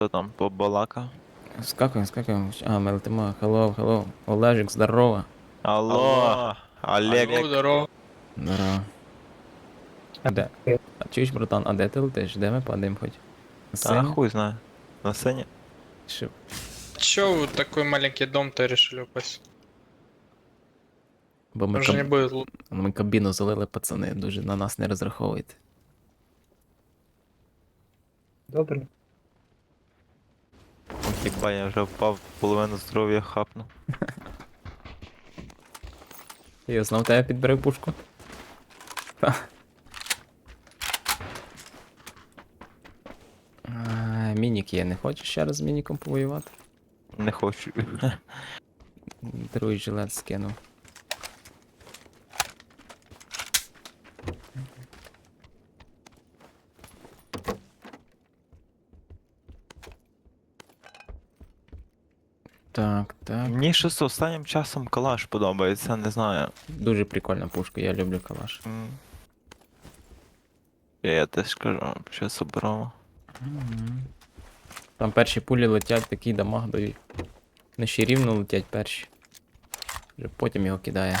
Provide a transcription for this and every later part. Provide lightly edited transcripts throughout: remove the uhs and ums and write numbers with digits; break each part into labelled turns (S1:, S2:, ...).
S1: Хто там побалакав?
S2: Скакуємо. А, ми летимо. Hello. Олежик, здорово.
S1: Алло, Олег.
S3: Здорово.
S2: Здорово. Де? А чуєш, братан, а де ти летиш? Де ми падаємо хоч? На
S1: Та
S2: сцені?
S1: хуй знає. На сцені?
S2: Що?
S3: Чё вы такой маленький дом-то решили упасть?
S2: Бо ми,
S3: Уже не будет
S2: ми кабіну залили, пацани, дуже на нас не розраховуйте.
S4: Добре.
S1: Хіба я вже впав, половину здоров'я хапнув.
S2: Я знов тебе підберив пушку. Мінік є, не хочеш ще раз з мініком повоювати?
S1: Не хочу.
S2: Другий жилет скинув. Так.
S1: Мені щось останнім часом калаш подобається, не знаю.
S2: Дуже прикольна пушка, я люблю калаш.
S1: Я теж кажу, що собрав.
S2: Там перші пулі летять, такий дамаг дають. Не ще рівно летять перші. Вже потім його кидає.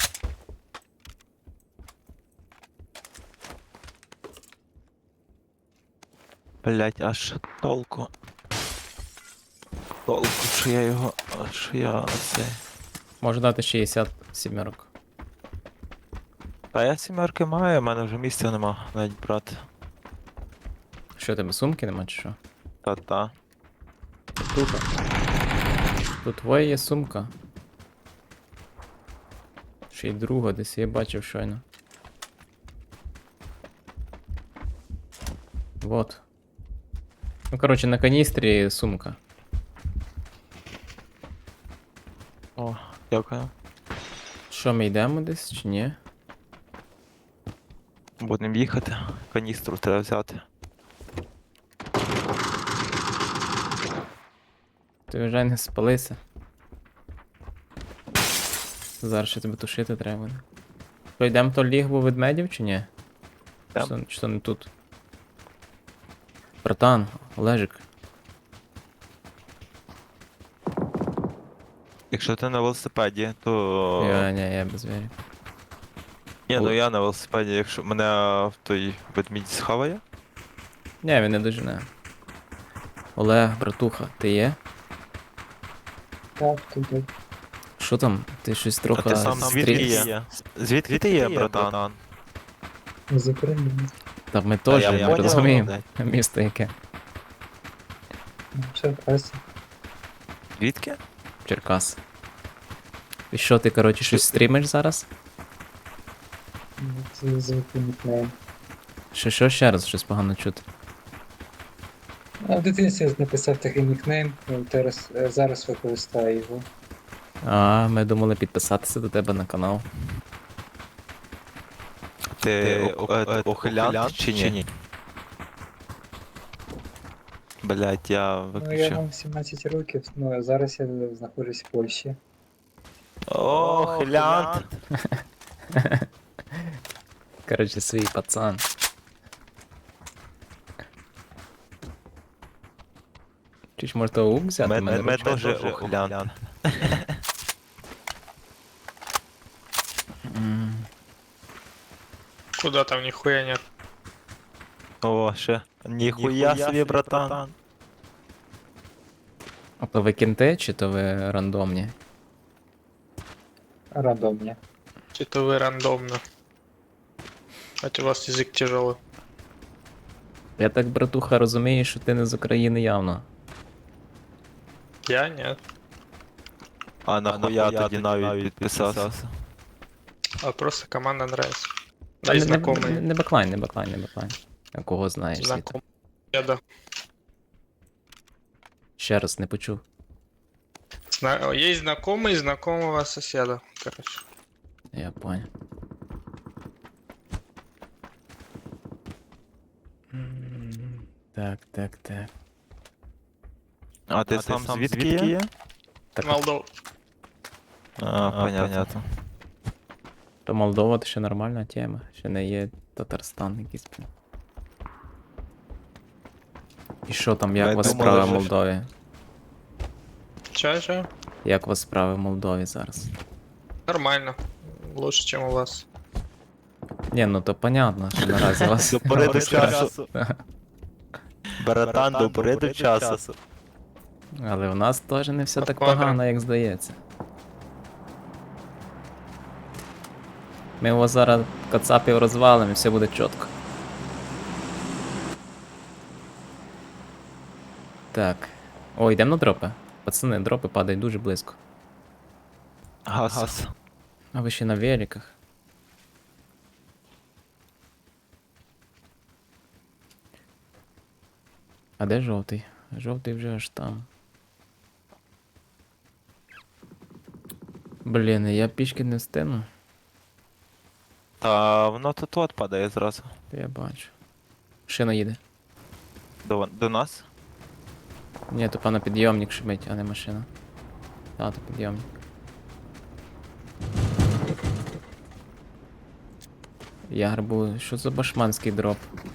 S1: Блять, аж толку. Толку, що я його. Що я цей.
S2: Може дати 67.
S1: Та я сімерки маю, в мене вже місця нема навіть брати.
S2: Що, тебе сумки нема чи що?
S1: Та-та.
S2: Тут твоя є сумка. Ще й друга, десь я бачив щойно. Вот. Ну, коротше, на каністрі сумка.
S1: О, дякую.
S2: Що, ми йдемо десь чи ні?
S1: Будемо їхати. Каністру треба взяти.
S2: Ти вже не спалися. Зараз ще тебе тушити треба буде. Що, йдемо то лігво ведмедів чи ні? Чи то не тут? Братан, Олежик.
S1: Якщо ти на велосипеді, то.
S2: Я без вірі.
S1: Ні, ну я на велосипеді, якщо мене в той ведмідь схаває.
S2: Ні, він не дожене. Олег, братуха, ти є?
S4: Так, тут.
S2: Що там? Ти щось
S1: А
S2: трохи
S1: ти сам звідки є? Звідки ти є, братан?
S4: З України.
S2: Та ми теж,
S1: я
S2: ми
S1: поняв,
S2: розуміємо.
S1: блядь.
S2: Місто яке?
S4: Черкаси.
S1: Звідки?
S2: Черкас. І що ти, коротше, щось стрімиш зараз?
S4: Це звикли нікнейм.
S2: Що ще раз щось погано чути?
S4: А в дитинстві я написав такий нікнейм, зараз використаю його.
S2: А, ми думали підписатися до тебе на канал.
S1: Ти охилянт чи ні? Блять, я
S4: Ну, я
S1: виключив.
S4: вам 17 років, ну а зараз я знаходжусь в Польщі.
S1: Охилянт!
S2: Коротше, свій пацан. Чи ж може того взяти?
S1: Ми теж охилянт.
S3: Куда там нихуя нет.
S1: О, ще. Ніхуя собі, братан.
S2: А то ви кінти, чи то ви рандомні?
S4: Рандомні.
S3: Что-то вы рандомно. Хотя у вас язык тяжелый.
S2: Я так, братуха, розумію, що ти не з України явно.
S3: Я нет.
S1: А нахуя тоді навіть підписався?
S3: А просто команда нравится.
S2: Та
S3: Да и
S2: не
S3: знакомые.
S2: не баклайн. А кого знаєш? Світа?
S3: Знакомые. Я да.
S2: Ще раз не почув.
S3: Есть знакомый знакомого соседа. Короче.
S2: Я понял. Так.
S1: А ти сам звідки є?
S2: Так,
S3: Молдова.
S1: А, понятно.
S2: то Молдова то ще нормальна тема. Ще не є Татарстан якийсь. І що там, як
S1: Ми
S2: у вас
S1: думали,
S2: справи в
S1: що-
S2: Молдові?
S3: Чё?
S2: Як у вас справи в Молдові зараз?
S3: Нормально. Лучше, чем у вас.
S2: Ні, ну то понятно, що наразі у вас.
S1: До пори до часу. Братан, до пори до часу.
S2: Але у нас теж не все так
S3: Посмотрим.
S2: погано, як здається. Ми його зараз кацапів розвалимо і все буде чітко. Так. О, йдемо на дропи. Пацани, дропи падають дуже близько.
S1: Газ.
S2: А ви ще на великах. А де жовтий? Жовтий вже аж там. Блін, я пішки не встигну.
S1: Та воно тут от падає зразу.
S2: Я бачу. Шина їде.
S1: До нас.
S2: Ні, то пана підйомник шибить, а не машина. А, то підйомник. Я грабую. Що за башманський дроп?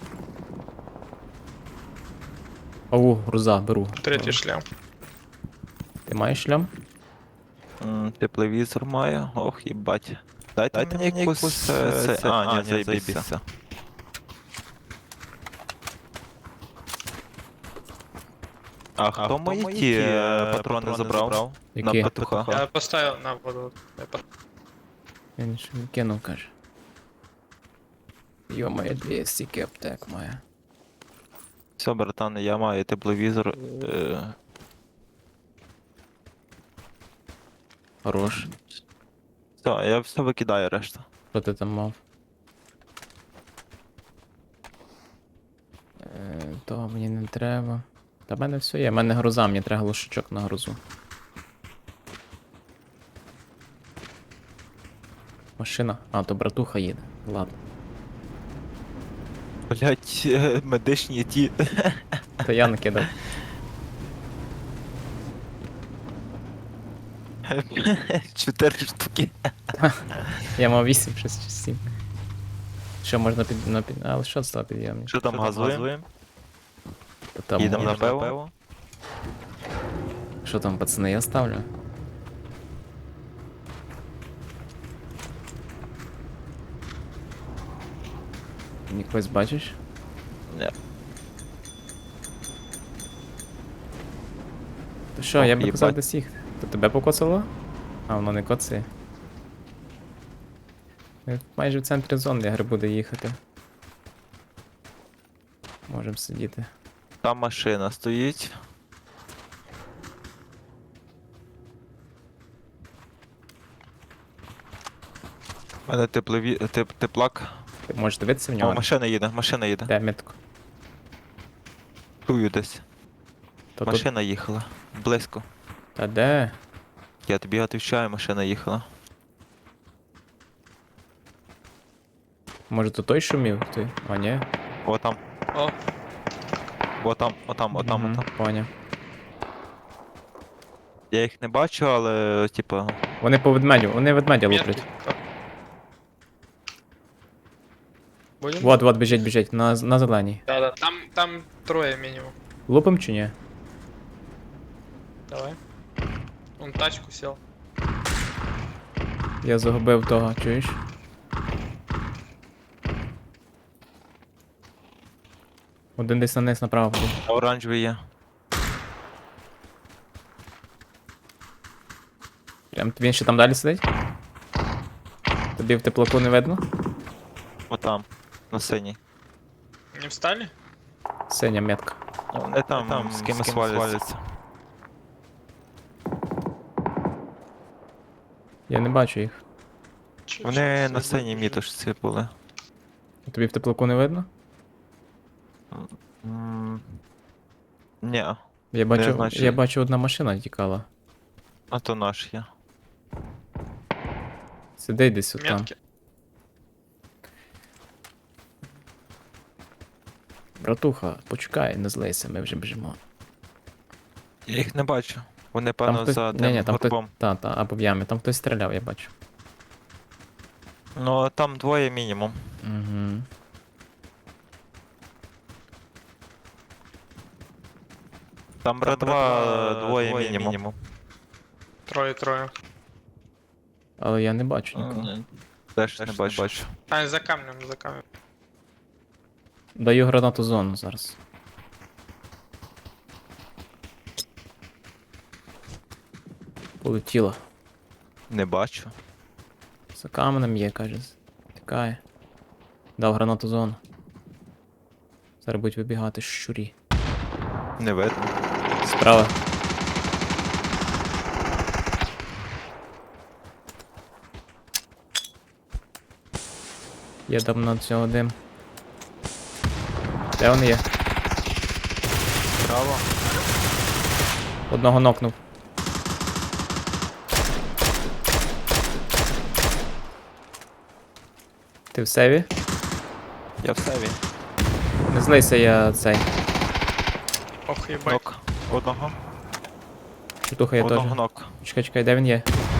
S2: Оу, груза, беру.
S3: Третий шлем.
S2: Ти маєш шлям?
S1: Тепловізор маю. Ох, їбать. Дайте мені якусь... А, ні, заєбіся. А хто мої ті патрони забрав?
S2: Які?
S1: На петуха.
S3: Я поставил на воду.
S2: Він ж кинув, каже. Йо-моє, 200 аптек має.
S1: Все, братан, я маю тепловізор.
S2: Хорош.
S1: Все, я все викидаю решту.
S2: Що ти там мав? Того мені не треба. Та в мене все є, в мене груза, мені треба глушачок на грузу. Машина. А, то братуха їде. Ладно.
S1: Блять, медичні ті.
S2: То я накидав.
S1: 4 штуки.
S2: Я мав 8, 6 чи 7. Що можна під. Але що це підйомник?
S1: Що там газуємо?
S2: Та там
S1: Їдемо на
S2: можна.
S1: пиво.
S2: Що там, пацани, я ставлю? Нікось бачиш?
S1: Ні.
S2: То що,
S1: Ох,
S2: я би казав
S1: їбать.
S2: десь їх. То тебе покоцало? А, воно не коцає. Ми майже в центрі зони, я буду їхати. Можемо сидіти.
S1: Там машина стоїть. У мене теплак.
S2: Ти можеш дивитися в
S1: О,
S2: нього?
S1: машина їде.
S2: Де метку?
S1: Чую десь.
S2: То тут.
S1: Машина їхала. Близько.
S2: Та де?
S1: Я тобі отвечаю, машина їхала.
S2: Може то той шумів? Ти? А, ні.
S1: О там,
S3: О,
S1: отам.
S2: Поняв.
S1: Я їх не бачу, але типа.
S2: Вони по ведмедю, вони ведмедя
S3: метки.
S2: луплять.
S3: Будем?
S2: Вот, біжить, на зеленій.
S3: Да. Там трое минимум.
S2: Лупим чи ні?
S3: Давай. Он тачку сел.
S2: Я загубив того, чуєш? Один десь на низ направо буде.
S1: Оранжевий є.
S2: Прям він ще там далі сидить? Тобі в теплаку не видно?
S1: Отам. На синій.
S3: Не встали?
S2: Синя метка.
S1: Вони там з кимось валяться.
S2: Я не бачу їх.
S1: Вони на синій мітошці були.
S2: Тобі в теплаку не видно?
S1: Ні, значить.
S2: Я бачу, одна машина тікала.
S1: а то наш є.
S2: Сидить десь отам.
S3: Метки.
S2: Братуха, почекай, не злийся, ми вже біжимо.
S1: Я їх не бачу. Вони,
S2: Там
S1: певно,
S2: хтось.
S1: за
S2: Ні,
S1: тим
S2: там хтось.
S1: горбом.
S2: Та, або в ямі. Там хтось стріляв, я бачу.
S1: Ну, там двоє мінімум.
S2: Угу.
S1: Там братва двоє мінімум.
S3: Троє.
S2: Але я не бачу нікого.
S1: Теж не бачу.
S3: А, за камнем.
S2: Даю гранату зону зараз. Полетіло.
S1: Не бачу.
S2: За каменем є, каже. Тікає. Дав гранату зону. Зараз будуть вибігати щурі.
S1: Не видно.
S2: Справа. Я дам на цього дим. Де вони є?
S1: Право.
S2: Одного нокнув. Ти в севі?
S1: Я в севі.
S2: Не злися, я цей.
S3: Ох, ебать.
S1: Нок. Одного.
S2: Чутуха я теж.
S1: Одного нок.
S2: Чекай, де він є?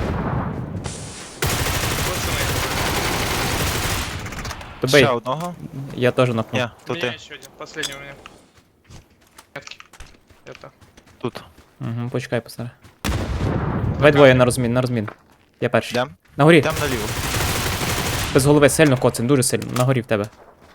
S3: Пацаны,
S2: Добий.
S1: Ще одного?
S2: Я теж нокнув.
S1: Ні,
S3: у
S1: то
S3: меня
S1: ти.
S3: еще один, последний у меня. Метки. Это.
S1: Тут.
S2: Угу, почекай, посаре. Давай двоє на розмін. Я перший.
S1: Йдем?
S2: На горі.
S1: Йдем наліво.
S2: Без голови сильно коцин, дуже сильно. На горі в тебе.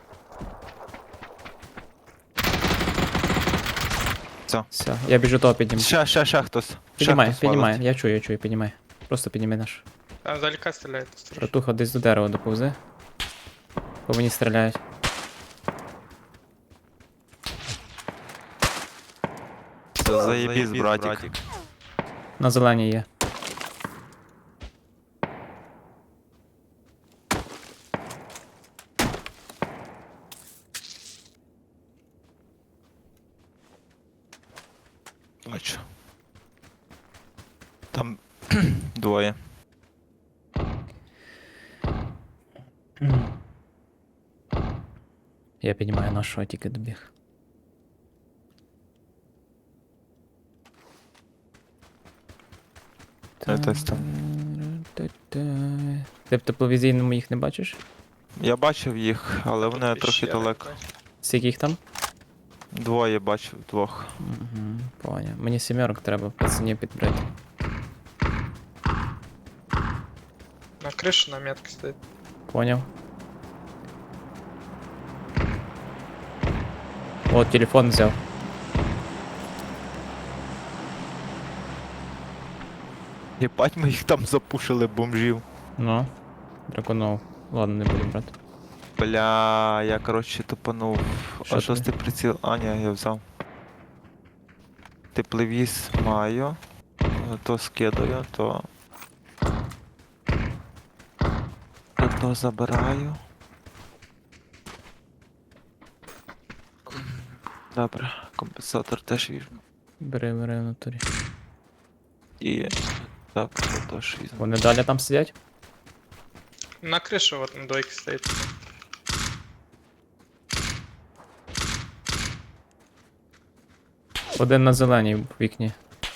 S2: Все, я біжу того підніму.
S1: Ще хтось.
S2: Піднімай, я чую, піднімай. Просто підніми наш.
S3: Там издалека стреляет. осторожно.
S2: Братуха десь до дерева доповзи. По мені стріляють.
S1: Це заєбісь, братик.
S2: На зеленій є.
S1: Бачу. Там двоє.
S2: Я піднімаю нашого, тільки добіг.
S1: Десь там.
S2: Ти в тепловізійному їх не бачиш?
S1: Я бачив їх, але вони
S3: Тут
S1: трохи
S3: пещера
S1: далеко.
S3: какая-то.
S2: Скільки їх там?
S1: Двоє бачив, двох.
S2: Угу, поняв. Мені сімерок треба пацанів підбрати.
S3: На крыше на метке стоит.
S2: Поняв. О, телефон взяв.
S1: Єбать, ми їх там запушили, бомжів.
S2: Ну, драконов. Ладно, не буду брати.
S1: Бля, я коротше тупанув.
S2: Що
S1: А шостий приціл. А, ні, я взяв. Тепловіз маю. То скидаю, то. То забираю. Добре, компенсатор теж візьму.
S2: Бери в натурі.
S1: І. Так, це теж візьму.
S2: Вони далі там сидять?
S3: На крыше вот на двойке стоит.
S2: Один на зеленій в вікні.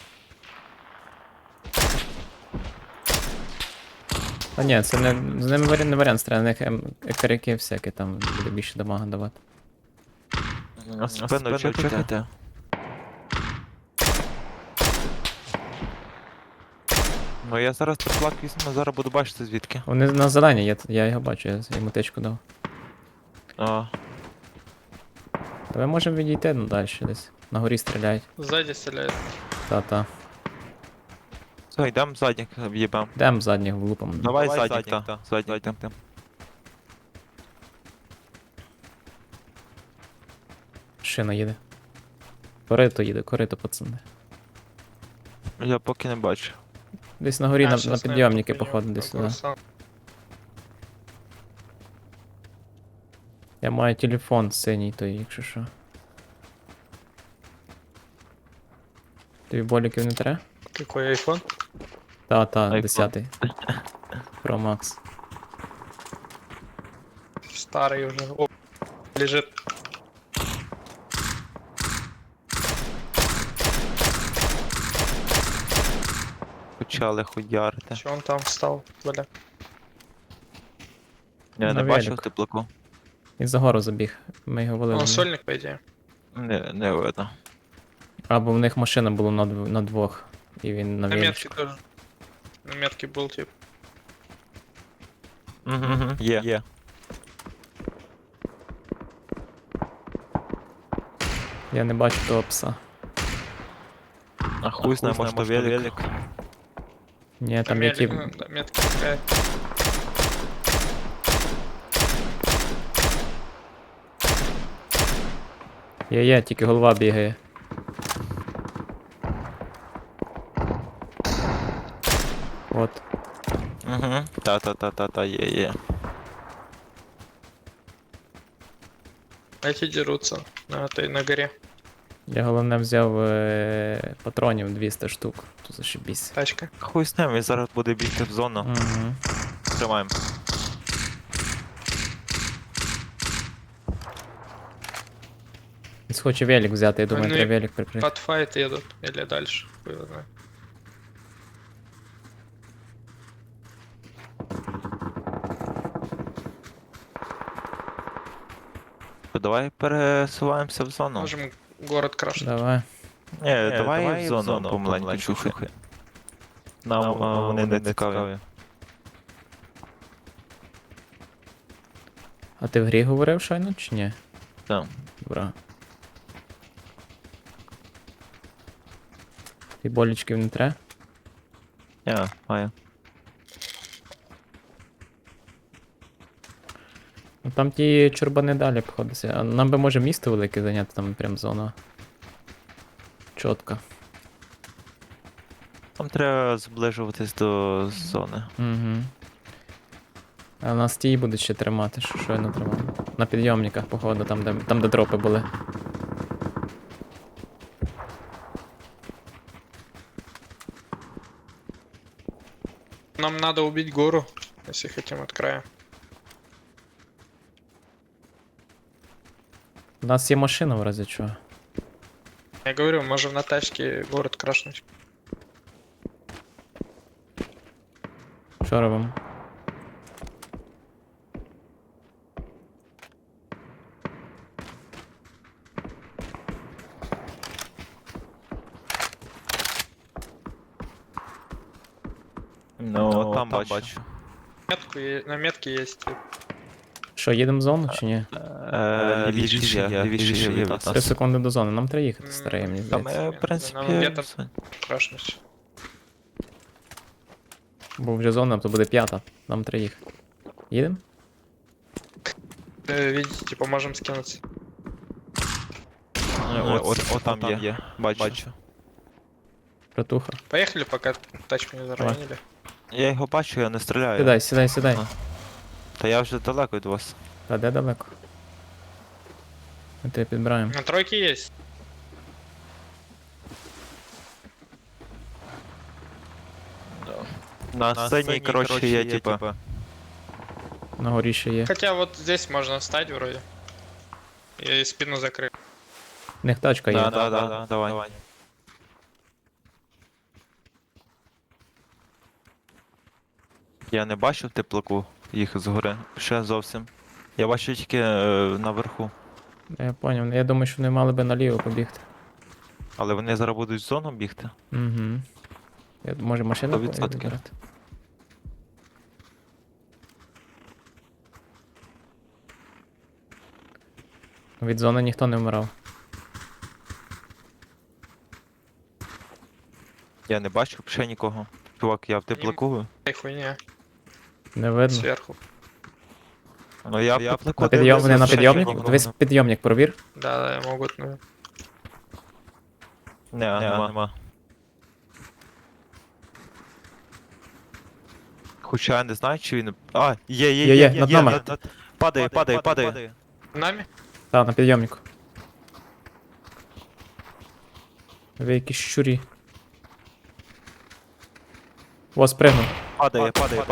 S2: А ні, це не, з ними не варіант стріляти, на них екаряки всякі там буде більше дамага давати.
S1: Спину чекайте. Ну я зараз триплак візьму, зараз буду бачити звідки.
S2: Вони на зеленій, я його бачу, я йому тичку дав.
S1: А,
S2: Та ми можемо відійти ну, далі десь. На горі стріляють.
S3: Сзади стреляет.
S2: Та-та.
S1: все, йдемо задніх в'їбем.
S2: Йдемо задніх влупом.
S1: Давай задніх, та. Задніх, та.
S2: Шина їде. Корито, пацани.
S1: Я поки не бачу.
S2: Десь на горі
S3: А,
S2: на
S3: щас
S2: підйомники,
S3: наверное,
S2: походу,
S3: поднимем.
S2: десь сюди.
S3: Красава.
S2: Я маю телефон синій, то якщо що. Тобі боліків не треба?
S3: Какой айфон?
S2: Та,
S1: iPhone.
S2: 10-й. Pro Max.
S3: Старый уже. О, лежит.
S1: Почали хуярити.
S3: Че он там встал? Бля.
S1: Я
S2: На
S1: не бачив
S2: велику.
S1: теплаку.
S2: Він за гору забіг. Ми його валили.
S3: Он сольник, по идее.
S1: Не видно.
S2: Або в них машина була на двох. І він на
S3: На метке
S2: величку.
S3: тоже. На метке был тип.
S1: Угу. Є.
S2: Я не бачу того пса.
S1: А хуй знає, може то велик.
S2: Ні,
S3: На
S2: там є ті.
S3: на метке такая.
S2: Є, тільки голова бігає. От.
S1: Угу. Та, є.
S3: Эти дерутся на горе.
S2: Я головне взяв патронів 200 штук. То зашибісь.
S3: Тачка.
S1: Хуй з ним, він зараз буде бігти в зону.
S2: Угу.
S1: Тримаємо.
S2: Він схоче велик взяти, я думаю,
S3: Вони
S2: треба велик прикрити.
S3: Под файт едут. Или дальше. Хуй его знает.
S1: Давай пересуваємося в зону.
S3: Можем город крашить.
S2: Давай.
S1: Ні, давай в зону помаленьку чухай. Нам вони не цікаві.
S2: А ти в грі говорив щойно чи ні?
S1: Так.
S2: Добре. Ти болічків не треба?
S1: Маю.
S2: Ну там ті чорбани далі обходяться. А нам би може місто велике зайняти, там прям зона. Чітко.
S1: Там треба зближуватись до зони.
S2: Угу. А нас ті будуть ще тримати, що щойно тримали. На підйомниках, походу, там де дропи були.
S3: Нам надо убить гору, если хотим от края.
S2: У нас є машина в разі чого.
S3: Я говорю, можем на тачке город крашнуть.
S2: Що робимо?
S1: Ну, там бачу.
S3: На метке есть тип.
S2: Що, їдемо в зону чи ні?
S1: Лівіше є від
S2: 3
S1: нас.
S2: секунди до зони, нам треба їхати, старий, мені
S1: Там,
S2: здається.
S1: в принципі,
S3: Нам где-то крашнуть.
S2: Бо вже зона, то буде 5, нам треба їхати. Їдемо?
S3: Видите, типа можем скинуться.
S1: От там є. Бачу.
S2: Братуха.
S3: Поехали, пока тачку не заранили.
S1: Я його бачу, я не стріляю.
S2: Сідай.
S1: А. Та я вже далеко від вас.
S2: Та де далеко? Ми тебе підбираємо.
S3: На тройке есть.
S1: На сцені, коротше, є, типа.
S2: На горі ще є.
S3: Хотя вот здесь можно встать вроде. И спину закрыть.
S2: В них тачка є.
S1: Да, давай. Я не бачив теплаку їх згори. Ще зовсім. Я бачу тільки наверху.
S2: Я поняв. Я думаю, що вони мали би наліво побігти.
S1: Але вони зараз будуть в зону бігти.
S2: Угу. Може машина
S1: 100%.
S2: вибирати? Від зони ніхто не вмирав.
S1: Я не бачу ще нікого. Чувак, я в теплаку.
S3: Эй, хуйня.
S2: Не видно.
S3: Сверху.
S1: Ну я в теплаку.
S2: На підйом, вони на
S1: ще
S2: підйомник?
S1: нікого
S2: Дивись підйомник, провір.
S3: Да, могут, ну.
S1: Нема. Хоча я не знаю, чи він. А, є,
S2: над нами.
S1: Падає.
S3: Нами?
S2: Так, на підйомнику. Ви якісь щурі. О, спригнув.
S1: Падає.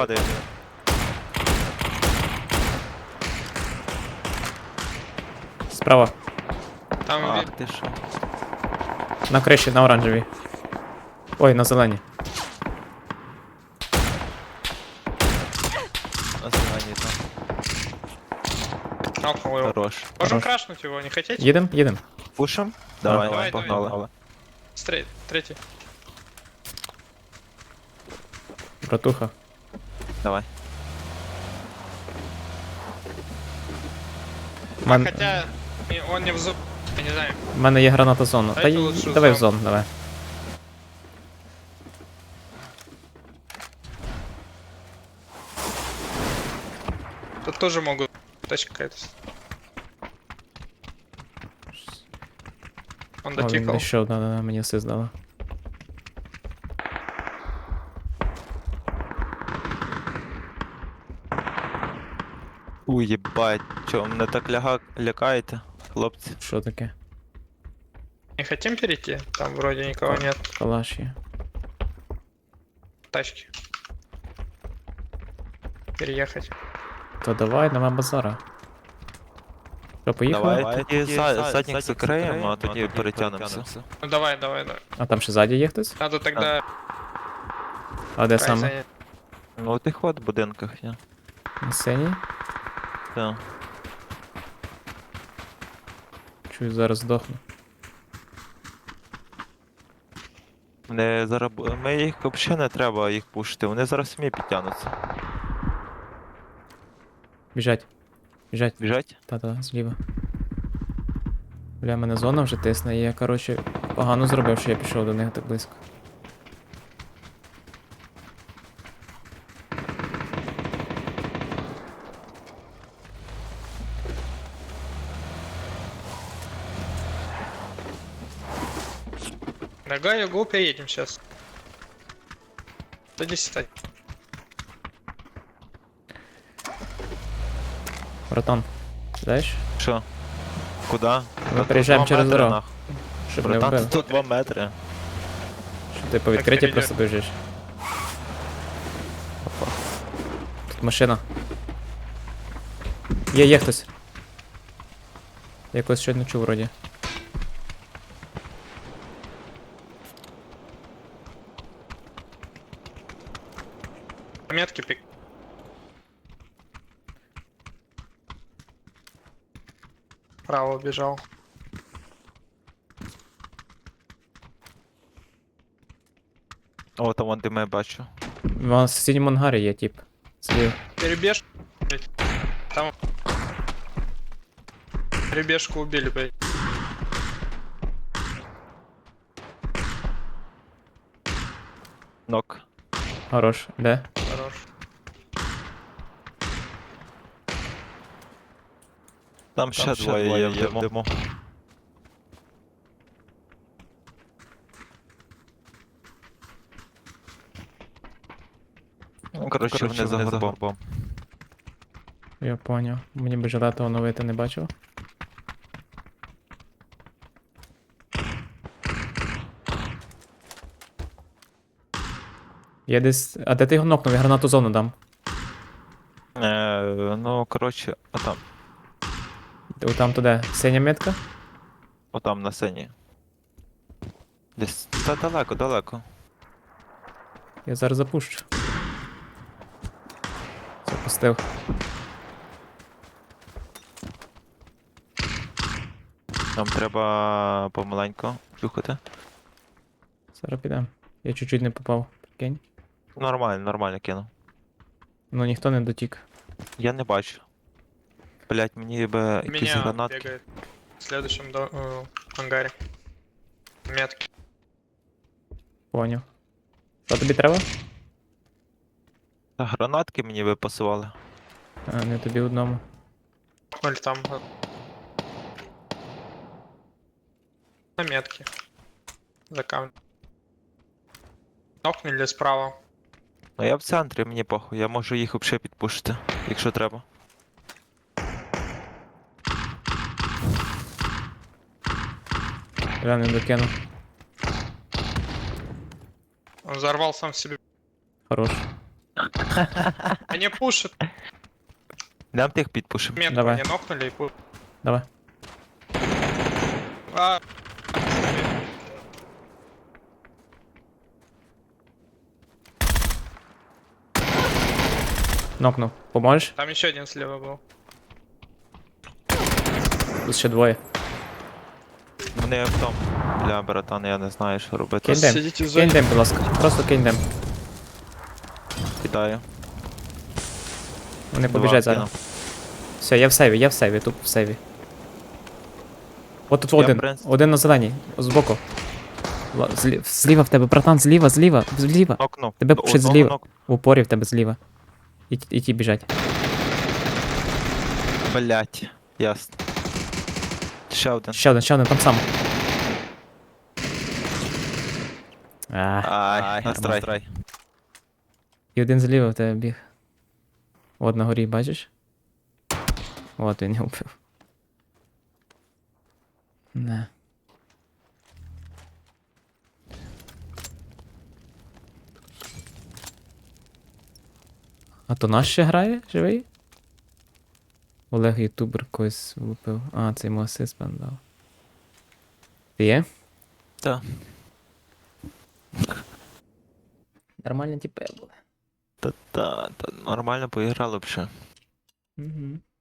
S2: Справа.
S3: Там
S1: Ах ти що.
S2: На криші, на оранжевій. Ой, на зеленій.
S1: На зелені там.
S3: нокнул его.
S1: Хорош.
S3: Можем
S2: Хорош.
S3: крашнуть его, не хотите?
S2: Їдем?
S1: Пушим? Давай,
S3: Давай,
S1: погнали.
S3: Третий.
S2: Братуха.
S1: Давай.
S3: Хотя он не в зоне, я не знаю.
S2: В мене є граната зону. Та
S3: Дайте лучше
S2: давай в
S3: зону.
S2: зону, давай.
S3: Тут тоже могут тачка какая-то. Он
S2: О, він
S3: дотикал.
S2: знайшов, да, мені все здало.
S1: Уй, єбать, чо, мене так лякаєте, хлопці?
S2: Що таке?
S3: Не хотим перейти? Там вроде никого нет.
S2: Калаш є.
S3: Тачки. Переехать.
S2: То давай, нема базара. Що, поїхали?
S1: Давай тоді задніх закриємо, а тоді перетягнемося.
S3: Ну давай.
S2: А там ще ззаді є хтось?
S3: Надо тогда
S2: А де
S3: край
S2: саме?
S3: занять.
S1: Ну, у тих от будинках є.
S2: На сцені?
S1: Так.
S2: Чую, зараз здохну.
S1: Вони зараз... Ми їх взагалі не треба їх пушити, вони зараз самі підтягнуться.
S2: Біжать. Біжать.
S1: Біжать?
S2: Та-та, зліва. Бля, мене зона вже тисне, і я, коротше, погано зробив, що я пішов до них так близько.
S3: Нога, го, приедем сейчас. До 10.
S2: Братан, знаєш?
S1: Що? Куда?
S2: Ми приїжджаємо через дорогу, щоб не
S1: Братан,
S2: вбили.
S1: тут 2 метри.
S2: Що ти по відкритті
S3: Так,
S2: просто біжиш. Опа. Тут машина. Є хтось. Я когось щойно чув вроді.
S3: Метки пик. Право убежал.
S1: О, там вон де ми бачу.
S2: В сусідньому ангарі є тип. Зліва.
S3: Перебеж. Блядь. Там. Перебежку убили, блядь.
S1: Нок.
S2: Хорош. Де?
S3: Хорош.
S1: Там ще двоє є в диму. Ну, коротше, вони за горбом.
S2: Я поняв. Мені би жилета оновити не бачив. Я десь. А де ти його нокнув? Я гранату зону дам.
S1: Ну, коротше, отам.
S2: Там туди. Синя метка?
S1: Отам на сцені. Десь. Та далеко.
S2: Я зараз запущу. Запустив.
S1: Нам треба помаленько чухати.
S2: Зараз підемо. Я чуть-чуть не попав. Прикинь.
S1: Нормально кинув.
S2: Ну ніхто не дотік.
S1: Я не бачу. Блять, мені би якісь
S3: Меня
S1: гранатки.
S3: бегает в следующем ангаре. Метки.
S2: Поняв. Що тобі треба?
S1: Та гранатки мені би пасували.
S2: А, не тобі одному.
S3: Ноль там. На метке. За камнем. Нокнули справа.
S1: Ну я в центрі, мені похуй, я можу їх взагалі підпушити, якщо треба.
S2: Я не докинув.
S3: Он взорвал сам себе.
S2: Хорош.
S3: Они пушат.
S1: Нам тих підпушимо.
S3: Метку
S2: Давай.
S3: они нокнули и пушат.
S2: Давай.
S3: А,
S2: Нокнув. Поможеш?
S3: там еще один слева был.
S2: Тут ще двоє.
S1: Вони Вони в тому. Бля, братан, я не знаю, що робити.
S2: Кинь дим.
S3: Сидіть в
S2: Кинь
S3: зоні.
S2: дим, будь ласка. Просто кинь дим.
S1: Кидаю.
S2: Вони
S1: Два
S2: побіжать зараз.
S1: кинув.
S2: Все, я в сейві, тупо в сейві. От тут
S1: Я,
S2: один.
S1: в принципі-
S2: Один на зеленій. Збоку. Зліва в тебе, братан, зліва.
S1: Нокнув.
S2: Тебе
S1: Одного
S2: пушить зліва.
S1: нок-
S2: В упорі в тебе зліва. І ті біжать.
S1: Блять. Ясно. Ще один.
S2: Ще один, там сам.
S1: Ай, настрай.
S2: І один зліва в тебе біг. От на горі, бачиш? От він його вбив. Не. А то наш ще грає? Живий? Олег ютубер когось влупив. А, це йому асист певно дав. Ти є?
S1: Та.
S2: Нормальні тіпи були.
S1: Та нормально поіграли б ще.
S2: Угу.